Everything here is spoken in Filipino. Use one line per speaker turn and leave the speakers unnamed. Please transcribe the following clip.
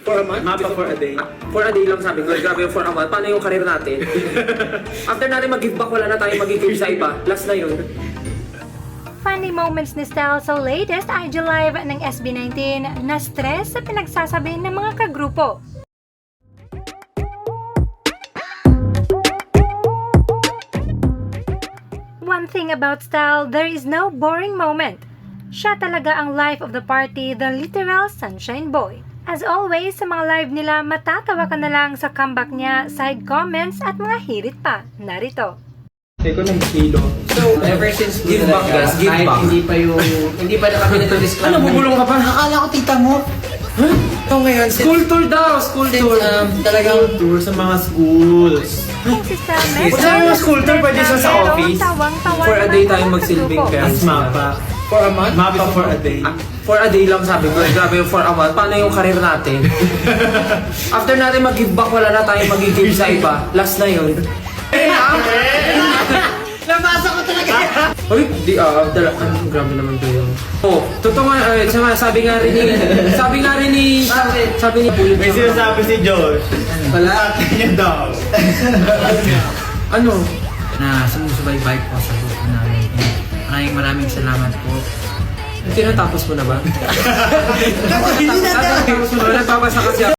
For a month?
Mapa for a day.
For a day lang sabi ko. Grabe yung for a month. Paano yung career natin? After natin mag-give back, wala na tayong mag-give sa iba. Last na yun.
Funny moments ni Stel sa latest IG Live ng SB19 na stress sa pinagsasabi ng mga kagrupo. One thing about Stel, there is no boring moment. Siya talaga ang life of the party, the literal sunshine boy. As always, sa mga live nila, matatawa ka na lang sa comeback niya, side comments at mga hirit pa. Narito.
Take ko ng kilo.
So, ever since give back guys, give
Kahit
back.
hindi pa na kami nito-discount.
Ano, bubulong ka pa?
Akala ko tita mo.
Ito ngayon, school tour daw, school tour.
Talagang
Tour sa mga schools.
Si Stel
Kung saan yung school tour, pwede siya sa
pero
office.
tawang-tawa
For a
naman
day
ang
tayong
mga
magsilbing
kagrupo.
parents.
As mapa.
For a month?
Mapa for a day.
For a day lang sabi ko. Grabe yung for a month. Paano yung career natin? After natin mag-give back, wala na tayong mag-give sa iba. Last na yun.
nabasa ko talaga.
Uy, grabe naman to yun. Oh, totoo nga, sabi nga rin ni, sabi ni Bullet.
May sinasabi si Josh.
Wala.
Atin niya daw.
Ano?
Na sumusubaybay po sa grupo namin. Maraming salamat po.
Tinatapos mo na ba? Tinatapos mo na ba? Nagpapasa kasi ako.